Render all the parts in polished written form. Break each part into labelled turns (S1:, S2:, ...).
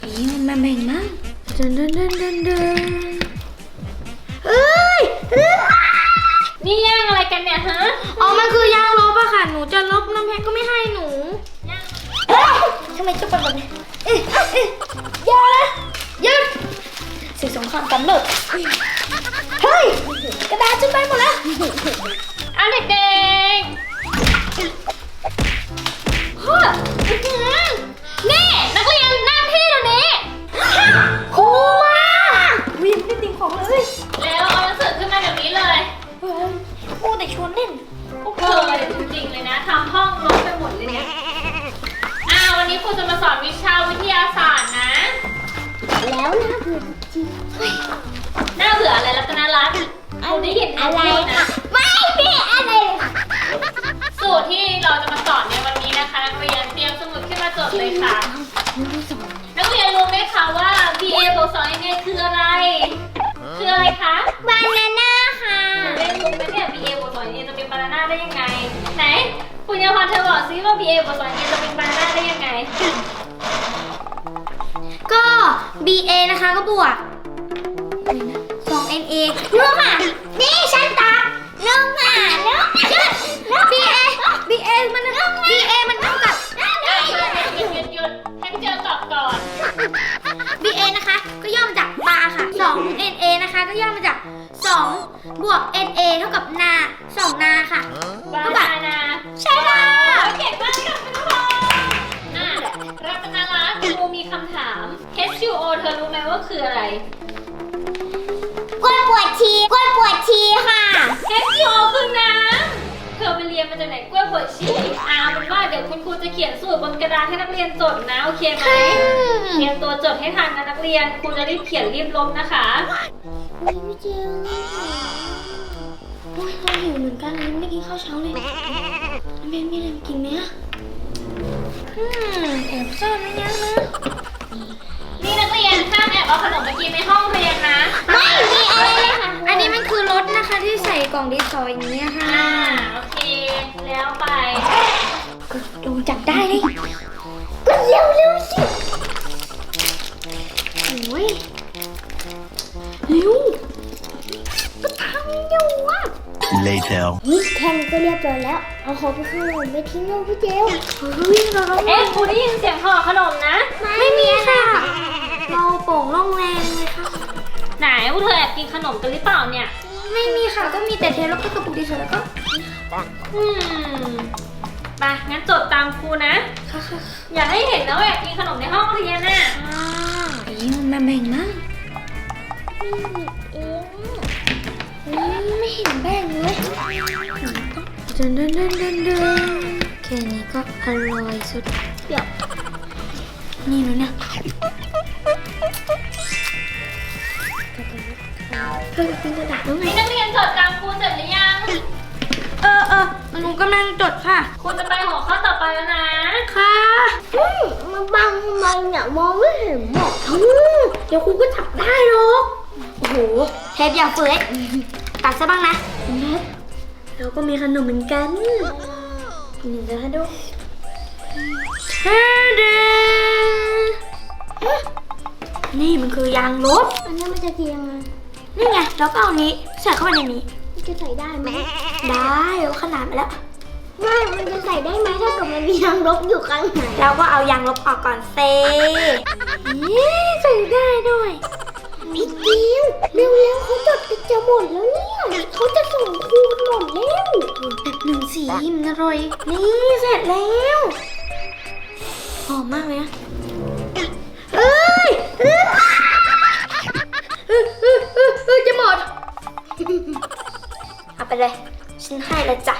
S1: นี่มันแบ่งมั้งเดินเอ้ย
S2: นี่ย่างอะไรกันเนี่ยฮะ
S1: อ๋อมันคือยางลบอะค่ะหนูจะลบน้ำแพงก็ไม่ให้หนูทำไมจะเป็นแบบนี้อย่านะหยุดสิ่งสงครามกำเนิดเฮ้ยกระดาษจะไปหมดแล้ว
S2: เอาเด็กๆพ่อนี่นักเรียนนั่งที่เดี๋ยวนี้
S1: ครูมาวิ่งไปติ่งของเลย
S2: แล้วเอาหนังสือขึ้นมาเดี๋ยวนี้เลย
S1: ครูแต่ชวนเล่น
S2: พวกเธอจริงๆเลยนะทำห้องรกไปหมดเลยเนี่ยวันนี้ครูจะมาสอนวิชาวิทยาศาสตร์นะ
S1: แล้วน่าเบื่อจริง
S2: น่าเบื่ออะไรรัตนรัตน์ครูได้ยิน
S1: อะไรนะไม่มีอะไร
S2: สูตรที่เราจะมาสอนในวันนี้นะคะนักเรียนเตรียมสมุดขึ้นมาจดเลยค่ะนักเรียนรู้ไหมคะว่า BA บวก 2NA คืออะไรคืออะไรคะ
S1: บานาน่าค่ะ
S2: นักเรียนรู้ไหมเนี่ย BA บวก 2NA จะเป็นบานาน่าได้ยังไงไหนคุณยาพรเธอบอกซิว่า BA บวก 2NA จะเป็นบานาน่าได้ยังไง
S1: ก็ BA นะคะก็บวก 2NA นึกค่ะนี่ฉันตานึกค่ะนึก BA มันเท่ากับ
S2: หยุดให้พี่เจอตอบก่อน
S1: BA นะคะก็ย่อมาจากบาค่ะ 2NA นะคะก็ย่อมาจาก2บวก NA เท่ากับนา2นาค่ะ
S2: บานา
S1: ใช่ค่ะ
S2: เก่งมากค่ะคุณพ่อรัตนรัตน์ครูมีคำถาม H2O เธอรู้ไหมว่าคืออะไร
S1: กล้วยปวดชีค่ะ
S2: H2O คือน้ำเธอไปเรียนมาจากไหนกล้วยปวดชีเป็นว่าเดี๋ยวคุณครูจะเขียนสูตรบนกระดานให้นักเรียนจดนะโอเคไหมเตรียมตัวจดให้ทันนะนักเรียนครูจะรีบเขียนรีบลบนะคะ
S1: ไม่เจอโอ้ยเราหิวเหมือนกันเลยไม่ได้กินข้าวเช้าเลยแม่มีอะไรมากินไหมอะแอบซ่อนไม่ยังนะ
S2: นี่นักเรียนห้ามแอบเอาขนมมากินในห้องเรียนนะ
S1: ไม่มีอะไรเลยค่ะอันนี้มันคือรถนะคะที่ใส่กล่องดินสออย่างนี้ค่ะ
S2: โอเคแล้วไป
S1: โดนจับได้เลยก็เร็วสิโอ้ยเร็วก็ทำอยู่อ่ะ
S3: Later
S1: แค่นี้ก็เรียบร้อยแล้วเอาของไปขนมไปทิ้งเลยพี่เจลวิ่งเรา
S2: ครูได้ยินเสียงห่อขนมนะ
S1: ไม่มีค่ะเราโป่งล่องแรงเลยค่ะ
S2: ไหนพวกเธอแอบกินขนมกันหรือเปล่าเนี่ย
S1: ไม่มีค่ะก็มีแต่เทแล้วก็กระปุกดิฉันแล้วก็
S2: ไปงั้นจดตามครูนะอยากให้เห็นนะว่าแอบกินขนมในห้องเรียนน่ะ
S1: นี่มันแบ่งมั้งไม่เห็นแบ่งเลยเดินแค่นี้ก็อร่อยสุดเดี๋ยวนี่หนูเนี่ยเพิ่งกินกระดาษแล้วไง
S2: นักเรียนจดตามครูเสร็จหรือยัง
S1: หนูกำลังจดค่ะ
S2: ครูจะไปหัวข้อต่อไปแล้วนะ
S1: ค่ะมันบังทำไมเนี่ยมองไม่เห็นหมดเดี๋ยวครูก็จับได้หรอกโอ้โหเทปอย่าเฟื่อยตัดซะบ้างนะเราก็มีขนมเหมือนกันนี่จะให้ดูนี่มันคือยางลบอันนี้มันจะเทียงนี่ไงแล้วก็เอานี้ใส่เข้าไปในนี้มันจะใส่ได้ไหมได้แล้วขนาดไปแล้วไม่มันจะใส่ได้ไหมถ้าเกิดมันมียางลบอยู่ข้างในเราก็เอายางลบออกก่อนเซ่ใส่ได้ด้วยพี่ดิวเร็วเขาจะหมดแล้วเนี่ยเขาจะส่งครูหมดแล้วแบบหนึ่งสีมันอร่อยนี่เสร็จแล้วหอมมากเลยนะจะหมดเอาไปเลยฉันให้แล้วจ้ะ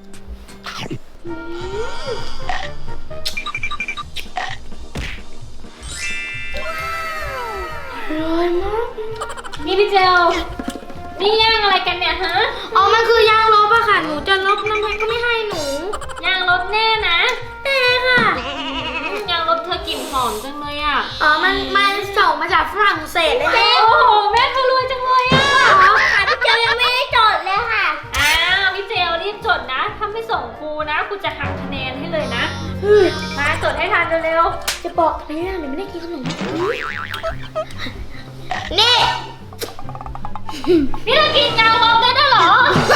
S1: อร่อยมาก
S2: นี่พี่เจลนี่ย่างอะไรกันเนี่ยฮะ
S1: อ๋อมันคือยางลบอะค่ะหนูจะลบน้ำแพงก็ไม่ให้หนู
S2: ยางลบแน่นะ
S1: แน่ค่ะ
S2: ยางลบเธอกลิ่นหอมจังเลยอะ
S1: มันส่งมาจากฝรั่งเศสเลยค่ะ
S2: โอ้โหแม่เธอรวยจังเลยอะ
S1: ค่ะพี่เจลยังไม่ได้จดเลยค่ะ
S2: พี่เจลรีบจดนะถ้าไม่ส่งครูนะครูจะหักคะแนนให้เลยนะมาจดให้ทันเร็วๆ
S1: จะบอกอะไรนะเดี๋ยวไม่ได้กินขนมนี่
S2: นี่เรากินยาลบได้ด้วยเหรอ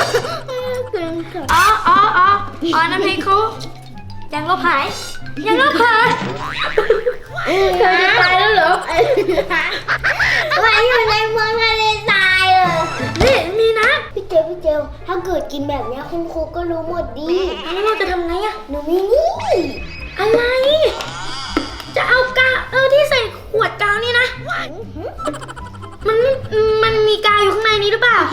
S1: อ๋อน้ำพริกเขายังลบหายยังลบหายเธอจะตายแล้วเหรอมาอยู่ในเมืองทะเลทรายนี่มีนะพี่เจลถ้าเกิดกินแบบนี้คุณครูก็รู้หมดดีแล้วเราจะทำไงอะหนูมีนี่อะไรจะเอากาวที่ใส่ขวดกาวนี่นะมันมีกาวอยู่ข้างในนี้หรือเปล่า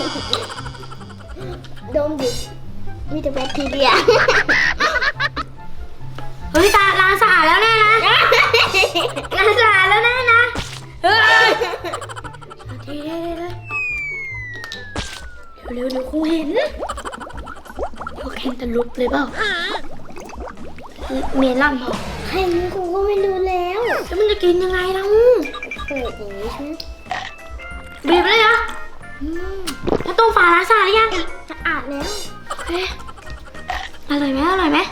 S1: ดมดิมีแต่แบคทีเรียเฮ้ยตาล้างสะอาดแล้วแน่นะล้างสะอาดแล้วแน่นะเฮ้ยทีเร็วครูเห็นพวกเห็นตะลุกเลยเปล่าเมลอนบอกใครมีครูก็ไม่รู้แล้วมันจะกินยังไงล่ะเปิดอย่างนี้ใช่ไหมบีบเลยเหรอแล้วต้มฝาล้างสะอาดหรือยังสะอาดแล้วโอเคอร่อยไหมอร่อยไหม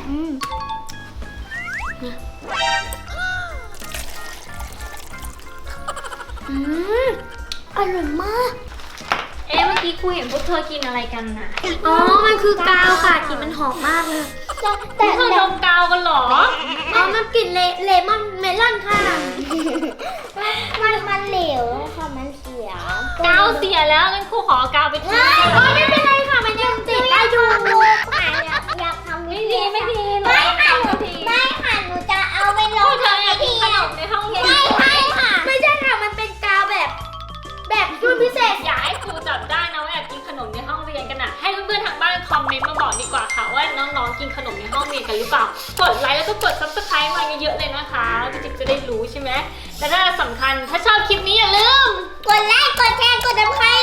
S1: อร่อยมาก
S2: เอ๊ะเมื่อกี้ครูเห็นพวกเธอกินอะไรกันน่ะ
S1: อ๋อมันคือกาวค่ะกลิ่นมันหอมมากเลยแต่
S2: พวกเธอดมกาวกันเหรอ
S1: อ๋อมันกลิ่นเลมอนเมลอนค่ะมันเหลวค่ะมันเสีย
S2: กาวเสียแล้วงั้นครูขอกาวไปทิ้ง
S1: ไม่เป็นไรค่ะมันยังติดได้อยู่อยากทำ
S2: ไม่ดีไม่ดี
S1: ไม่ค่ะหนูจะเอาไปล
S2: พว
S1: ง
S2: กเธออยากกินขนมในห้องเรียน
S1: ไม่ค่ะไม่ใช่ค่ะมันเป็นกาวแบบรุ่นพิเศษ
S2: อยากให้ครูจับได้นะว่าแอบกินขนมในห้องเรียนกันน่ะให้เพื่อนๆทางบ้านคอมเมนต์มาบอกดีกว่าค่ะว่าน้องๆกินขนมในห้องเรียนกันหรือเปล่ากดไลค์แล้วก็กด subscribe มาเยอะๆเลยนะคะพี่จิ๊บจะได้รู้ใช่ไหมและถ้าสำคัญถ้าชอบคลิปนี้อย่าลืม
S1: กดไลค์กดแชร์กดติดตาม